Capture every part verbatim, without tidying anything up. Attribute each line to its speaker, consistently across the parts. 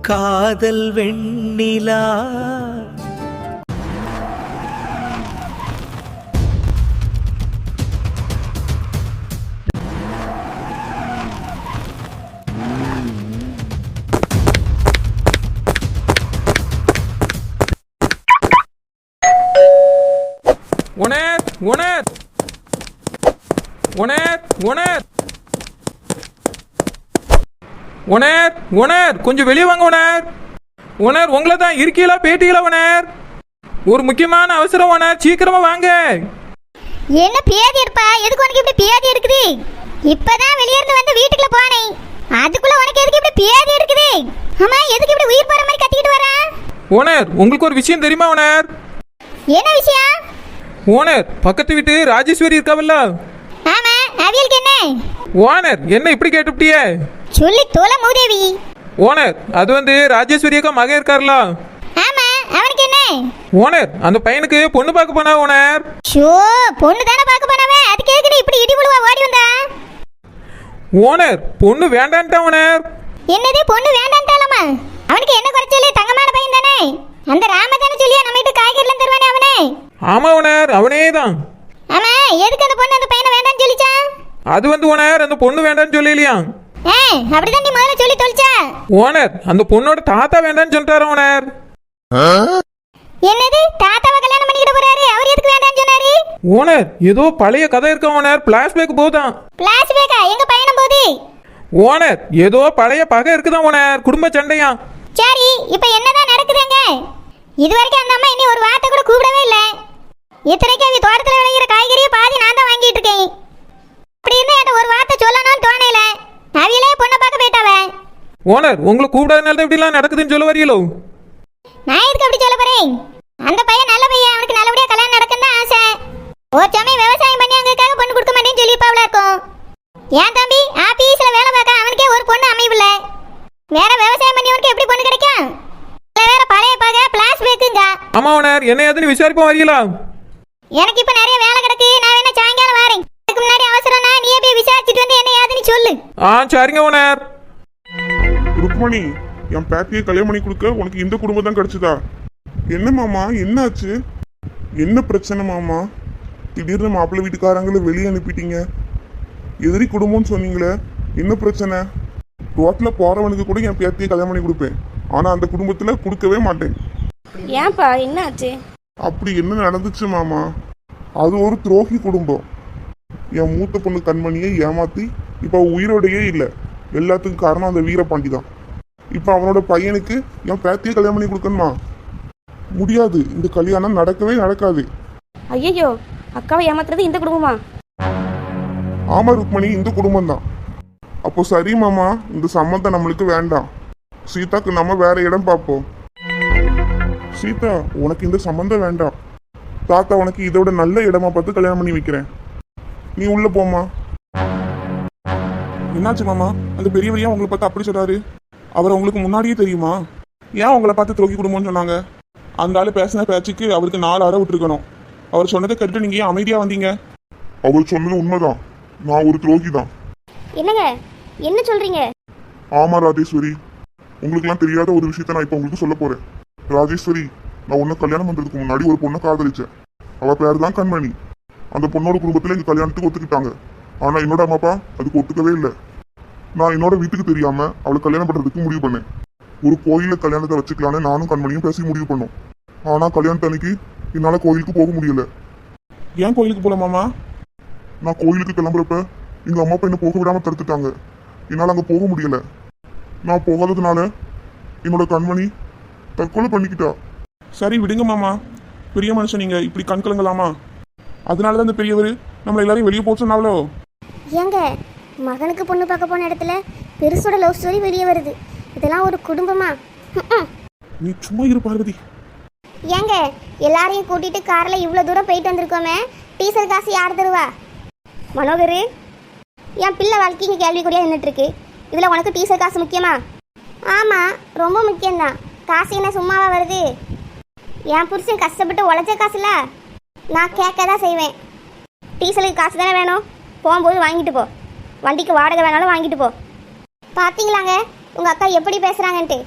Speaker 1: காதல் வெண்ணிலா
Speaker 2: உணர் உணர் உணர் உணர் உணர் உணர் கொஞ்சம் வெளியே வாங்க உணர் உணர் உங்களை தான் இருக்கீங்களா பேட்டிகளா உணர் ஒரு முக்கியமான அவசரம் உணர் சீக்கிரமா வாங்க.
Speaker 3: என்ன பேதி இருப்பா? எதுக்கு உனக்கு இப்படி பேதி இருக்குது? இப்பதான் வெளிய இருந்து வந்து வீட்டுக்குள்ள போனேன், அதுக்குள்ள உனக்கு எதுக்கு இப்படி பேதி இருக்குது? அம்மா எதுக்கு இப்படி உயிர் போற மாதிரி கத்திக்கிட்டு வர?
Speaker 2: உணர் உங்களுக்கு ஒரு விஷயம் தெரியுமா உணர்?
Speaker 3: என்ன விஷயம்?
Speaker 2: ஓனர் பக்கத்து வீட்டு ராஜேஸ்வரி இருக்காவல்ல?
Speaker 3: ஆமா, அவியலுக்கு என்ன?
Speaker 2: ஓனர் என்ன இப்படி கேட்டுப்டியே?
Speaker 3: சொல்லி தோல மூதேவி.
Speaker 2: ஓனர் அது வந்து ராஜேஸ்வரி அக்கா மகன் இருக்கார்ல?
Speaker 3: ஆமா, அவனுக்கு என்ன?
Speaker 2: ஓனர் அந்த பையனுக்கு பொண்ணு பார்க்க போனா ஓனர்.
Speaker 3: ஷோ, பொண்ணு தான பார்க்க போனவே, அதுக்கு எதுக்கு நீ இப்படி இடி புழுவா ஓடி வந்தா?
Speaker 2: ஓனர் பொண்ணு வேண்டான்டா ஓனர்.
Speaker 3: என்னது பொண்ணு வேண்டான்டாலமா? அவனுக்கு என்ன குறைச்சல? தங்கமான பையன் தானே. அந்த ராமதான சொல்லியா நம்ம வீட்டு காய்கறிலாம் தருவானே அவனே?
Speaker 2: ஆமா ஓனர் அவனே தான்.
Speaker 3: ஆமா, எதுக்கு அந்த பொண்ணு அந்த பையனை வேண்டாம்னு சொல்லிச்சா?
Speaker 2: அது வந்து ஓனர் அந்த பொண்ணு வேண்டாம்னு சொல்லலையா?
Speaker 3: ஏ, அப்படிதான் நீ முதல்ல சொல்லி தொலைச்சா?
Speaker 2: ஓனர் அந்த பொண்ணோட தாத்தா வேண்டாம்னு சொல்லிட்டாரு ஓனர்.
Speaker 3: என்னது தாத்தாவை கல்யாணம் பண்ணிக்கிட்டு போறாரு? அவர் எதுக்கு வேண்டாம்னு சொன்னாரு?
Speaker 2: ஓனர் ஏதோ பழைய கதை இருக்க ஓனர், பிளாஷ்பேக் போதான்.
Speaker 3: பிளாஷ்பேக்கா? எங்க பயணம் போகுது?
Speaker 2: ஓனர் ஏதோ பழைய பகை இருக்குதான் ஓனர், குடும்ப சண்டையா.
Speaker 3: சரி, இப்போ என்னதான் நடக்குதுங்க? இதுவரைக்கும் அந்த அம்மா இனி ஒரு வார்த்தை கூட கூப்பிடவே இல்லை. இத்தனைக்கு அவங்க தோட்டத்தில் விளையிற காய்கறியை பாதி நான் தான் வாங்கிட்டு இருக்கேன். அப்படி இருந்தா என்கிட்ட ஒரு வார்த்தை சொல்லணும்னு தோணையில. அவியலே பொண்ணை பார்க்க போயிட்டாவ.
Speaker 2: ஓனர் உங்களை கூப்பிடாதனால தான் இப்படிலாம் நடக்குதுன்னு சொல்ல வரீங்களோ?
Speaker 3: நான் எதுக்கு அப்படி சொல்ல போறேன்? அந்த பையன் நல்ல பையன், அவனுக்கு நல்லபடியா கல்யாணம் நடக்குன்னு தான் ஆசை. ஒரு சமயம் விவசாயம் பண்ணி அங்கக்காக பொண்ணு கொடுக்க மாட்டேன்னு சொல்லிப்பாவல இருக்கும். ஏன் தம்பி ஆபீஸ்ல வேலை பார்க்க அவனுக்கே ஒரு பொண்ணு அமையவில்ல, வேற விவசாயம் பண்ணி அவனுக்கு எப்படி பொண்ணு கிடைக்கும்? வேற பழைய பகை பிளாஷ்பேக்குங்க.
Speaker 2: ஆமா ஓனர் என்ன ஏதுன்னு விசாரிப்போம் வரீங்களா?
Speaker 3: எனக்கு இப்ப நிறைய வேலை கிடக்கு, நான் வேணா சாயங்காலம் வரேன். அதுக்கு முன்னாடி அவசரம்னா நீயே போய் விசாரிச்சுட்டு வந்து என்ன ஏதுன்னு சொல்லு.
Speaker 2: ஆ சரிங்க ஓனர்.
Speaker 4: ருக்மணி, என் பேத்தியை கல்யாணம் பண்ணி கொடுக்க உனக்கு இந்த குடும்பம் தான் கிடைச்சதா? என்ன மாமா என்னாச்சு? என்ன பிரச்சனை மாமா? திடீர்னு மாப்பிள்ளை வீட்டுக்காரங்களை வெளியே அனுப்பிட்டீங்க, எதிரி குடும்பம்னு சொன்னீங்களே, என்ன பிரச்சனை? ரோட்டில் போறவனுக்கு கூட என் பேத்தியை கல்யாணம் பண்ணி கொடுப்பேன், ஆனா அந்த குடும்பத்துல கொடுக்கவே மாட்டேன்.
Speaker 5: ஏன்பா என்ன ஆச்சு?
Speaker 4: அப்படி என்ன நடந்துச்சு மாமா? அது ஒரு துரோகி குடும்பம். என் மூத்த பொண்ணு கண்மணியை ஏமாத்தி இப்ப உயிரோடையே இல்லை. எல்லாத்துக்கும் காரணம் அந்த வீரபாண்டி தான். இப்ப அவனோட பையனுக்கு என் பேத்தியை கல்யாணம் பண்ணி கொடுக்கணுமா? முடியாது, இந்த கல்யாணம் நடக்கவே நடக்காது.
Speaker 5: ஐயோ, அக்காவை ஏமாத்துறது இந்த குடும்பமா?
Speaker 4: ஆமா ருக்மணி, இந்த குடும்பம் தான். அப்போ சரி மாமா, இந்த சம்மந்தம் நம்மளுக்கு வேண்டாம். சீதாக்கு நம்ம வேற இடம் பார்ப்போம். சீதா, உனக்கு இந்த சம்மந்தம் வேண்டாம். தாத்தா உனக்கு இதோட நல்ல இடமா பார்த்து கல்யாணம் பண்ணி வைக்கிறேன். நீ உள்ள போமா. என்னாச்சு மாமா? அந்த பெரியவரையா உங்களை பார்த்து அப்படி சொல்றாரு? அவர் உங்களுக்கு முன்னாடியே தெரியுமா? ஏன் உங்களை பார்த்து துரோகி குடும்பம்னு சொன்னாங்க? அந்த ஆளு பேசின பேச்சுக்கு அவருக்கு நாலு அறை விட்டுருக்கணும். அவர் சொன்னதை கேட்டு நீங்க ஏன் அமைதியா வந்தீங்க? அவர் சொன்னது உண்மைதான், நான் ஒரு துரோகி தான்.
Speaker 5: என்னங்க என்ன சொல்றீங்க?
Speaker 4: ஆமா ராஜேஸ்வரி, உங்களுக்குலாம் தெரியாத ஒரு விஷயத்த நான் இப்ப உங்களுக்கு சொல்ல போறேன். ராஜேஸ்வரி, நான் உன்னை கல்யாணம் பண்றதுக்கு முன்னாடி ஒரு பொண்ணை காதலிச்சேன். அவ பேர் தான் கண்மணி. அந்த பொண்ணோட குடும்பத்துல எங்க கல்யாணத்துக்கு ஒத்துக்கிட்டாங்க. ஆனா என்னோட அம்மா அப்பா அதுக்கு ஒத்துக்கவே இல்லை. நான் என்னோட வீட்டுக்கு தெரியாம அவளை கல்யாணம் பண்றதுக்கு முடிவு பண்ணேன். ஒரு கோயில கல்யாணத்தை வச்சுக்கலான்னு நானும் கண்மணியும் பேசி முடிவு பண்ணோம். ஆனா கல்யாணத்து அன்னைக்கு என்னால கோயிலுக்கு போக முடியல. ஏன் கோயிலுக்கு போல மாமா? நான் கோயிலுக்கு கிளம்புறப்ப எங்க அம்மா அப்பா என்ன போக விடாம தடுத்துட்டாங்க. என்னால அங்க போக முடியல. நான் போகாததுனால என்னோட கண்மணி தற்கொலை பண்ணிக்கிட்டா. சரி விடுங்க மாமா, பெரிய மனுஷன் நீங்க இப்படி கண் கலங்கலாமா? அதனாலதான் இந்த பெரியவர் நம்மள எல்லாரையும் வெளியே போக சொன்னாவளோ?
Speaker 6: ஏங்க, மகனுக்கு பொண்ணு பார்க்க போன இடத்துல பெருசோட லவ் ஸ்டோரி வெளியே வருது. இதெல்லாம் ஒரு குடும்பமா?
Speaker 4: நீ சும்மா இரு பார்வதி.
Speaker 6: ஏங்க, எல்லாரையும் கூட்டிட்டு கார்ல இவ்வளவு தூரம் போயிட்டு வந்திருக்கோமே, டீசல் காசு யார் தருவா? மனோகர், என் பிள்ளை வாழ்க்கைக்கு கேள்விக்குறியா நின்றுட்டு இருக்கு. இதுல உனக்கு டீசல் காசு முக்கியமா? ஆமா, ரொம்ப முக்கியம்தான். காசு என்ன சும்மாவா வருது? என் புருஷன் கஷ்டப்பட்டு உழைச்ச காசுல நான் கேட்க தான் செய்வேன். டீசலுக்கு காசு தானே வேணும், போகும்போது வாங்கிட்டு போ. வண்டிக்கு வாடகை வேணாலும் வாங்கிட்டு போ. பார்த்தீங்களாங்க உங்கள் அக்கா எப்படி பேசுகிறாங்கன்ட்டு.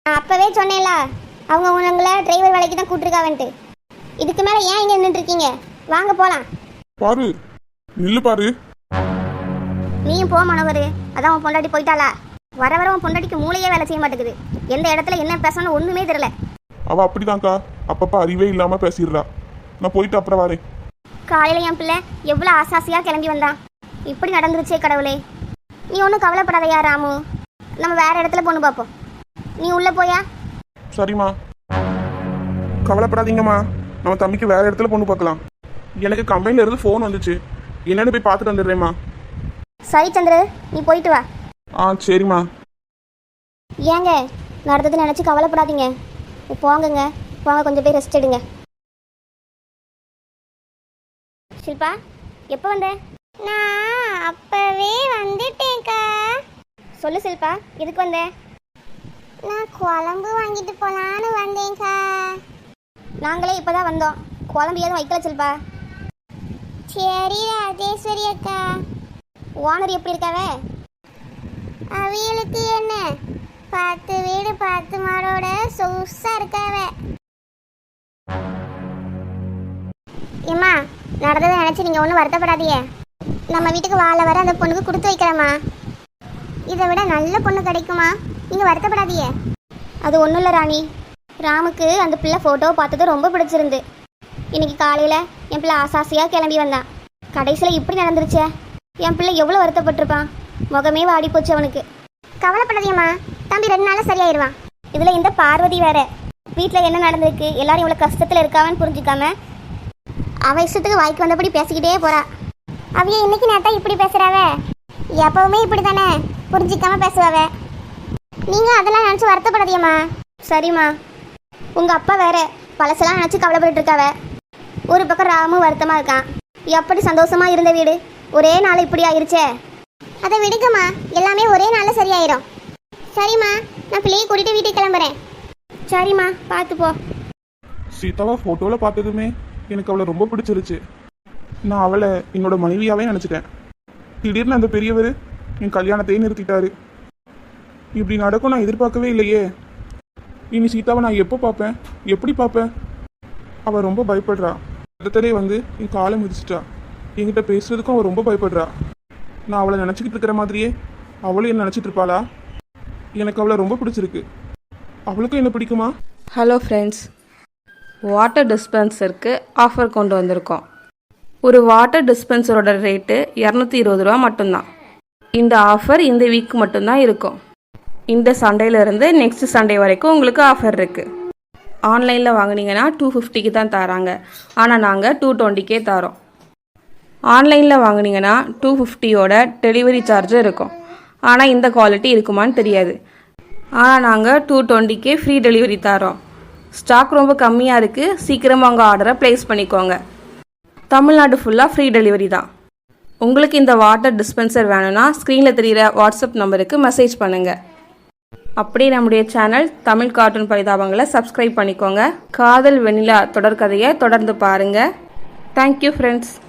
Speaker 6: நான் அப்பவே சொன்னேன்ல அவங்க உங்களை டிரைவர் வேலைக்கு தான் கூட்டிருக்காவன்ட்டு. இதுக்கு மேலே ஏன் இங்கே நின்றுட்டு இருக்கீங்க? வாங்க போகலாம்.
Speaker 4: பாரு நில்லு பாரு.
Speaker 6: நீயும் போ மனோகர். அதான் உன் பொண்டாட்டி போயிட்டாளா? வர வர உன் பொண்டாட்டிக்கு மூளையே வேலை செய்ய மாட்டேங்குது. எந்த இடத்துல என்ன பேசணும்னு ஒன்றுமே தெரியல.
Speaker 4: அவ அப்படிதான்க்கா, அப்பப்ப அறிவே இல்லாம பேசிடுறா. நான் போயிட்டு அப்புறம் வரேன்.
Speaker 6: காலையில் என் பிள்ளை எவ்வளோ ஆசாசியாக கிளம்பி வந்தான். இப்படி நடந்துருச்சே கடவுளே. நீ ஒன்றும் கவலைப்படாதையா ராமு, நம்ம வேற இடத்துல பொண்ணு பார்ப்போம். நீ உள்ளே போயா?
Speaker 4: சரிம்மா. கவலைப்படாதீங்கம்மா, நம்ம தம்பிக்கு வேற இடத்துல பொண்ணு பார்க்கலாம். எனக்கு கம்பெனில இருந்து ஃபோன் வந்துச்சு, என்னன்னு போய் பார்த்துட்டு வந்துடுறேம்மா.
Speaker 6: சரி சந்திரு, நீ போயிட்டு வா.
Speaker 4: ஆ சரிம்மா.
Speaker 6: ஏங்க நடந்தது நினச்சி கவலைப்படாதீங்க. போங்கங்க, போங்க, கொஞ்சம் போய் ரெஸ்ட் எடுங்க. ஷில்பா, எப்போ வந்த? நான் அப்பவே வந்துட்டேன்க்கா. சொல்லு ஷில்பா, எதுக்கு வந்த? நான் குழம்பு வாங்கிட்டு போலான்னு வந்தேன்க்கா. நாங்களே இப்போதான் வந்தோம். குழம்பு எதுவும் வைக்கல ஷில்பா. சரி ராஜேஸ்வரி அக்கா. ஓனர் எப்படி இருக்காவே? அவியலுக்கு என்ன, பத்து வீடு பத்து மாடோட சொகுசா இருக்காவே. ஏம்மா, நடந்ததை நினச்சி நீங்கள் ஒன்றும் வருத்தப்படாதீங்க. நம்ம வீட்டுக்கு வாழ வர அந்த பொண்ணுக்கு கொடுத்து வைக்கிறேம்மா. இதை விட நல்ல பொண்ணு கிடைக்குமா? நீங்கள் வருத்தப்படாதீங்க. அது ஒன்றும் இல்லை ராணி, ராமுக்கு அந்த பிள்ளை ஃபோட்டோ பார்த்தது ரொம்ப பிடிச்சிருந்து. இன்னைக்கு காலையில் என் பிள்ளை ஆசாசியாக கிளம்பி வந்தான். கடைசியில் இப்படி நடந்துருச்சே. என் பிள்ளை எவ்வளோ வருத்தப்பட்டிருப்பான். முகமே வாடி போச்சு அவனுக்கு. கவலைப்படாதீங்கம்மா, தம்பி ரெண்டு நாளில் சரியாயிருவான். இதில் இந்த பார்வதி வேற வீட்டில் என்ன நடந்திருக்கு, எல்லாரும் இவ்வளோ கஷ்டத்தில் இருக்காவன்னு புரிஞ்சுக்காம அவன் இஷ்டத்துக்கு வாய்க்கு வந்தபடி பேசிக்கிட்டே போறா. அவைய இன்னைக்கு நேத்தா இப்படி பேசுறாவ, எப்பவுமே இப்படி தானே புரிஞ்சிக்காம பேசுவாவ. நீங்க அதெல்லாம் நினச்சி வருத்தப்படாதீங்கம்மா. சரிம்மா. உங்க அப்பா வேற பழசெல்லாம் நினச்சி கவலைப்பட்டு இருக்காவ. ஒரு பக்கம் ராமும் வருத்தமா இருக்கான். எப்படி சந்தோஷமா இருந்த வீடு ஒரே நாள் இப்படி ஆயிருச்சே. அதை விடுங்கம்மா, எல்லாமே ஒரே நாளில் சரியாயிரும். சரிம்மா, நான் பிள்ளையை கூட்டிட்டு வீட்டுக்கு கிளம்புறேன். சரிம்மா, பார்த்து போ.
Speaker 4: சீதாவை ஃபோட்டோவில் பார்த்ததுமே எனக்கு அவளை ரொம்ப பிடிச்சிருச்சு. நான் அவளை என்னோட மனைவியாவே நினச்சிட்டேன். திடீர்னு அந்த பெரியவர் என் கல்யாணத்தையே நிறுத்திட்டாரு. இப்படி நடக்கும் நான் எதிர்பார்க்கவே இல்லையே. இனி சீதாவை நான் எப்போ பார்ப்பேன், எப்படி பார்ப்பேன்? அவள் ரொம்ப பயப்படுறா. இடத்துலேயே வந்து என் காலை மிதிச்சிட்டா. என்கிட்ட பேசுறதுக்கும் அவள் ரொம்ப பயப்படுறா. நான் அவளை நினச்சிக்கிட்டு இருக்கிற மாதிரியே அவளும் என்ன நினச்சிட்டு இருப்பாளா? எனக்கு அவளை ரொம்ப பிடிச்சிருக்கு. அவளுக்கும் என்ன பிடிக்குமா?
Speaker 5: ஹலோ ஃப்ரெண்ட்ஸ், வாட்டர் டிஸ்பென்சருக்கு ஆஃபர் கொண்டு வந்திருக்கோம். ஒரு வாட்டர் டிஸ்பென்சரோட ரேட்டு இரநூத்தி இருபது ரூபா மட்டும்தான். இந்த ஆஃபர் இந்த வீக் மட்டும்தான் இருக்கும். இந்த சண்டேலேருந்து நெக்ஸ்ட் சண்டே வரைக்கும் உங்களுக்கு ஆஃபர் இருக்குது. ஆன்லைனில் வாங்கினீங்கன்னா டூ ஃபிஃப்டிக்கு தான் தராங்க, ஆனால் நாங்கள் டூ டுவெண்ட்டிக்கே தரோம். ஆன்லைனில் வாங்கினீங்கன்னா டூ ஃபிஃப்டியோட டெலிவரி சார்ஜும் இருக்கும், ஆனால் இந்த குவாலிட்டி இருக்குமான்னு தெரியாது. ஆனால் நாங்கள் டூ டுவெண்ட்டிக்கே ஃப்ரீ டெலிவரி தரோம். ஸ்டாக் ரொம்ப கம்மியாக இருக்குது, சீக்கிரமாக உங்கள் ஆர்டரை ப்ளேஸ் பண்ணிக்கோங்க. தமிழ்நாடு ஃபுல்லாக ஃப்ரீ டெலிவரி தான். உங்களுக்கு இந்த வாட்டர் டிஸ்பென்சர் வேணும்னா ஸ்க்ரீனில் தெரிகிற வாட்ஸ்அப் நம்பருக்கு மெசேஜ் பண்ணுங்கள். அப்படியே நம்முடைய சேனல் தமிழ் கார்ட்டூன் பரிதாபங்களை சப்ஸ்கிரைப் பண்ணிக்கோங்க. காதல் வெண்ணிலா தொடர்கதையை தொடர்ந்து பாருங்கள். Thank you friends.